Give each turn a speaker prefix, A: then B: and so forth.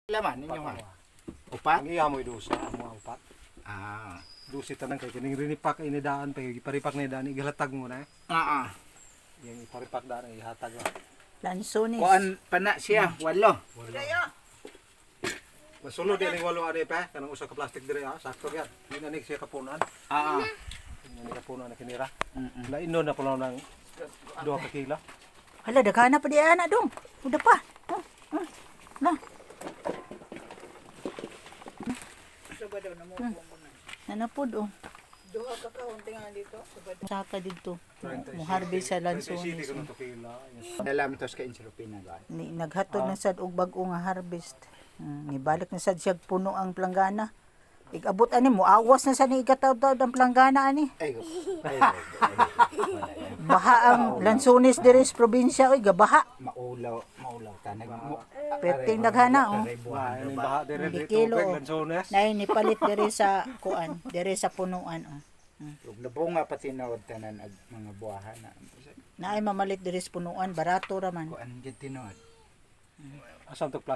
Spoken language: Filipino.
A: Laman ninyo ha. Upat?
B: Ang iya mo idusa, mo upat.
A: Ah.
B: Dusi tanang kay kining rinipak inidaan pa iparipak na idaan igalatag mo na. Yang iparipak daan ihatag.
C: Lansones.
A: Kuan pa na siya, walo.
B: Masulod din walo ade pa kanang usa ka plastic dire ha, sakto gyud. Dinanik siya kapunan. Ini kapunan na kinira. La inon na pala nang 2 ka kilo.
C: Hala, daghana pa di ana dong. Udah pa. Na. Nanapod oh.
D: Duha ka kaunti nga dito.
C: Saka dito. Mo harvest sa lansones.
A: Dalam tos ka insulupina gan.
C: Naghatod na sad og bag-o nga harvest. Nibalik na sad siya puno ang planggana. Igabot ani mo awas na sa ni igataw-taw ang planggana ani. Baha ang lansones diri sa probinsya oy gabaha.
A: Maulaw tanag mo.
C: Perting daghana oh.
B: Wah, ini baha dire
C: Hindi
B: dito
C: kilo,
B: tubig
C: oh.
B: lansones.
C: Nay ni palit diri sa kuan, diri sa punuan oh.
A: Ug nabunga pati nawad tanan ag mga buwahan na.
C: Naay mamalit diri sa punuan, barato ra man.
A: Kuan gid tinuod.
B: Asam to